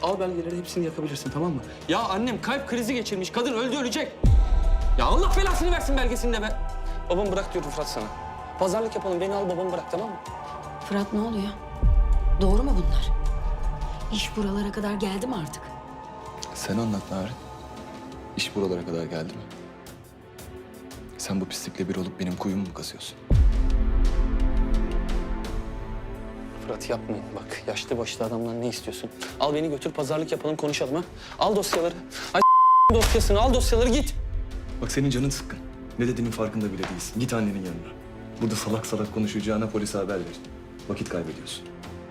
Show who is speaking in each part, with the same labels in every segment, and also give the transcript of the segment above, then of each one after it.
Speaker 1: Al belgeleri, hepsini yakabilirsin, tamam mı? Ya annem kalp krizi geçirmiş. Kadın öldü, ölecek. Ya Allah belasını versin belgesini de be. Babamı bırak diyorum Fırat sana. Pazarlık yapalım, beni al babamı bırak, tamam mı?
Speaker 2: Fırat ne oluyor? Doğru mu bunlar? İş buralara kadar geldi mi artık?
Speaker 3: Sen anlat Narin. İş buralara kadar geldi mi? Sen bu pislikle bir olup benim kuyumu mu kazıyorsun?
Speaker 1: Fırat yapmayın bak. Yaşlı başlı adamlar ne istiyorsun? Al beni götür, pazarlık yapalım, konuşalım ha. Al dosyaları. Ay dosyasını, al dosyaları, git.
Speaker 3: Bak senin canın sıkkın. Ne dediğinin farkında bile değilsin. Git annenin yanına. Burada salak salak konuşacağına polise haber ver. Vakit kaybediyorsun.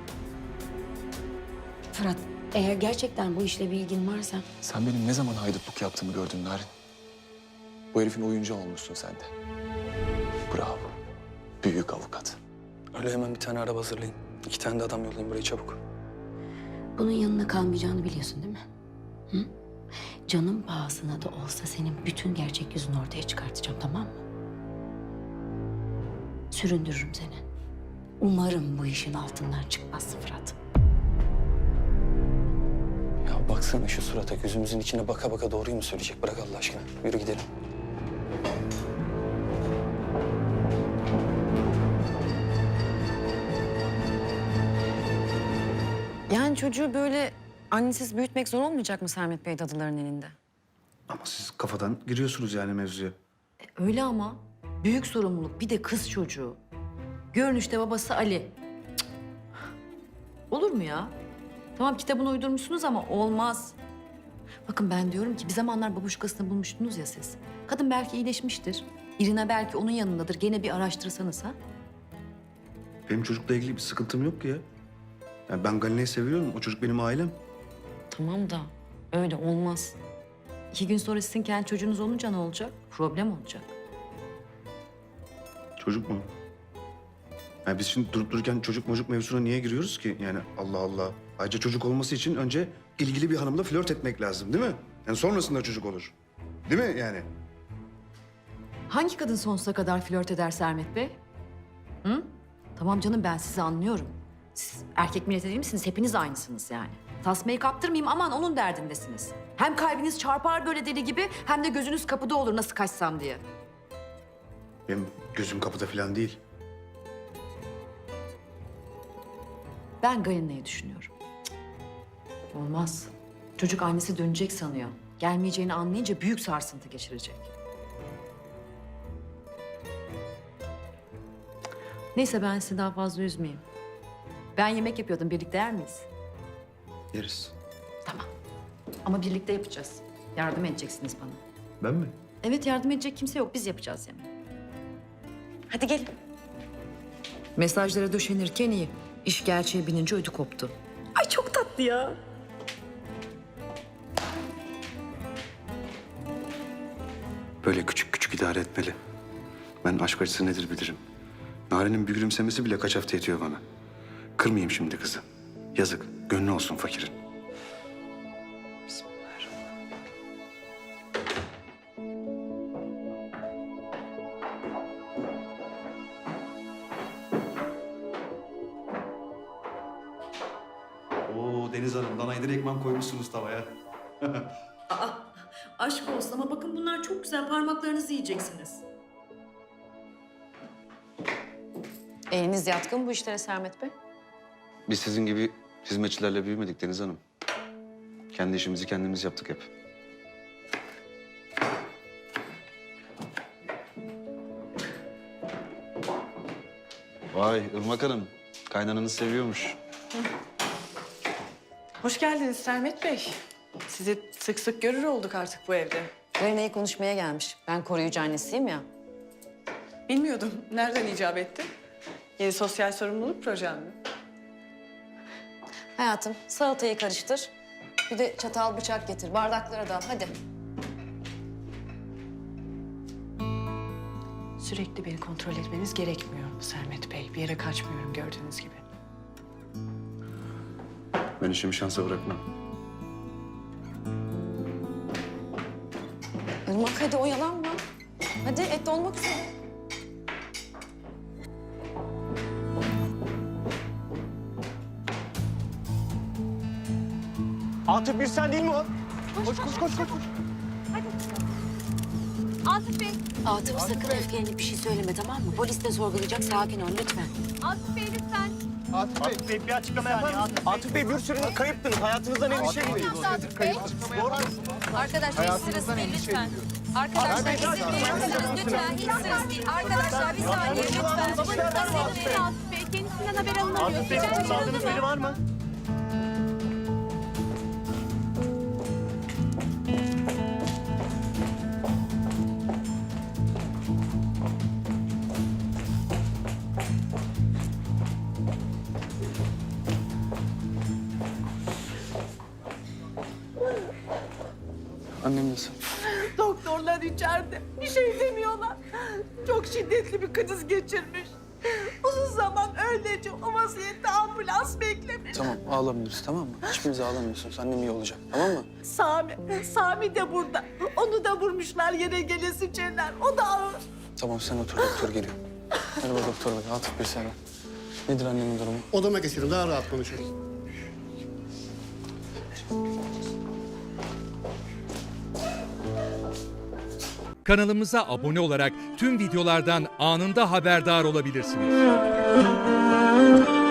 Speaker 2: Fırat, eğer gerçekten bu işle bir ilgin varsa...
Speaker 3: Sen benim ne zaman haydutluk yaptığımı gördün Narin. Bu herifin oyuncağı olmuşsun sen de. Bravo. Büyük avukat.
Speaker 1: Öyle hemen bir tane araba hazırlayın. 2 tane de adam yollayın buraya çabuk.
Speaker 2: Bunun yanına kalmayacağını biliyorsun değil mi? Hı? Canım pahasına da olsa senin bütün gerçek yüzünü ortaya çıkartacağım, tamam mı? Süründürürüm seni. Umarım bu işin altından çıkmazsın Fırat.
Speaker 1: Ya baksana şu surata, gözümüzün içine baka baka doğruyu mu söyleyecek? Bırak Allah aşkına. Yürü gidelim.
Speaker 4: Yani çocuğu böyle annesiz büyütmek zor olmayacak mı Sermet Bey dadıların elinde?
Speaker 5: Ama siz kafadan giriyorsunuz yani mevzuya.
Speaker 4: Öyle ama. Büyük sorumluluk. Bir de kız çocuğu. Görünüşte babası Ali. Cık. Olur mu ya? Tamam kitabını uydurmuşsunuz ama olmaz. Bakın ben diyorum ki bir zamanlar babuşkasını bulmuştunuz ya siz. Kadın belki iyileşmiştir. İrina belki onun yanındadır. Gene bir araştırsanız ha.
Speaker 5: Benim çocukla ilgili bir sıkıntım yok ki ya. Yani ben Galine'yi seviyorum. O çocuk benim ailem.
Speaker 4: Tamam da öyle olmaz. 2 gün sonra sizin kendi çocuğunuz olunca ne olacak? Problem olacak.
Speaker 5: Çocuk mu? Yani biz şimdi durup dururken çocuk mocuk mevzusuna niye giriyoruz ki? Yani Allah Allah. Ayrıca çocuk olması için önce ilgili bir hanımla flört etmek lazım değil mi? Yani sonrasında çocuk olur. Değil mi yani?
Speaker 4: Hangi kadın sonsuza kadar flört eder Sermet Bey? Hı? Tamam canım ben sizi anlıyorum. Siz erkek milleti değil misiniz? Hepiniz aynısınız yani. Tasmayı kaptırmayayım aman onun derdindesiniz. Hem kalbiniz çarpar böyle deli gibi hem de gözünüz kapıda olur nasıl kaçsam diye.
Speaker 5: Benim gözüm kapıda falan değil.
Speaker 4: Ben Galina'yı düşünüyorum. Cık, olmaz. Çocuk annesi dönecek sanıyor. Gelmeyeceğini anlayınca büyük sarsıntı geçirecek. Neyse ben sizi daha fazla üzmeyeyim. Ben yemek yapıyordum. Birlikte yer miyiz?
Speaker 5: Yeriz.
Speaker 4: Tamam. Ama birlikte yapacağız. Yardım edeceksiniz bana.
Speaker 5: Ben mi?
Speaker 4: Evet yardım edecek kimse yok. Biz yapacağız yemeği. Hadi gelin. Mesajlara döşenirken iyi. İş gerçeğe binince ödü koptu. Ay çok tatlı ya.
Speaker 5: Böyle küçük küçük idare etmeli. Ben aşk acısı nedir bilirim. Narenin bir gülümsemesi bile kaç hafta yetiyor bana. Kırmayayım şimdi kızı. Yazık, gönlü olsun fakirin.
Speaker 6: Oo Deniz Hanım, danaydır ekmem koymuşsunuz tavaya.
Speaker 7: Aşk olsun ama bakın bunlar çok güzel. Parmaklarınızı yiyeceksiniz.
Speaker 4: Eliniz yatkın bu işlere Sermet Bey.
Speaker 5: Biz sizin gibi hizmetçilerle büyümedik Deniz Hanım. Kendi işimizi kendimiz yaptık hep. Vay Irmak Hanım, kaynananız seviyormuş.
Speaker 7: Hoş geldiniz Sermet Bey. Sizi sık sık görür olduk artık bu evde.
Speaker 4: Galina'yı konuşmaya gelmiş. Ben koruyucu annesiyim ya.
Speaker 7: Bilmiyordum. Nereden icap etti? Yeni sosyal sorumluluk projem mi?
Speaker 4: Hayatım salatayı karıştır. Bir de çatal bıçak getir. Bardakları da al hadi.
Speaker 7: Sürekli beni kontrol etmeniz gerekmiyor Sermet Bey. Bir yere kaçmıyorum gördüğünüz gibi.
Speaker 5: Ben işimi şansa bırakmam.
Speaker 4: Irmak hadi oyalanma. Hadi et olmak üzere.
Speaker 8: Atıf bir sen değil mi o? Koş koş koş koş.
Speaker 9: Atıf Bey,
Speaker 2: Atıf sakın öfkelenip bir şey söyleme tamam mı? Polis de sorgulayacak sakin ol lütfen.
Speaker 9: Atıf Bey lütfen.
Speaker 8: Atıf Bey bir açıklama yapar mısınız? Atıf Bey bir sürü kayıptınız. Hayatınızdan endişe gidiyor.
Speaker 9: Atıf Bey. Arkadaşlar hiç sırası değil lütfen. Arkadaşlar izin verir misiniz lütfen? Hiç sırası değil. Arkadaşlar bir saniye lütfen. Babanızdan izin verin Atıf Bey. Kendisinden haber alınamıyor.
Speaker 8: Atıf Bey
Speaker 9: Rica
Speaker 8: sağladığınız
Speaker 9: ediyorum.
Speaker 8: biri var mı?
Speaker 1: Annem nasıl?
Speaker 10: Doktorlar içeride. Bir şey demiyorlar. Çok şiddetli bir kriz geçirmiş. Uzun zaman öylece o vaziyette ambulans beklemiş.
Speaker 1: Tamam ağlamıyoruz tamam mı? Hiçbiriniz ağlamıyorsunuz. Annem iyi olacak tamam mı?
Speaker 10: Sami de burada. Onu da vurmuşlar yere gelesi çeler. O da ağır.
Speaker 1: Tamam sen otur doktor geliyor. Merhaba doktor bey. Atıf bir selam. Nedir annemin durumu?
Speaker 11: Odama geçelim, daha rahat konuşuruz.
Speaker 12: Kanalımıza abone olarak tüm videolardan anında haberdar olabilirsiniz.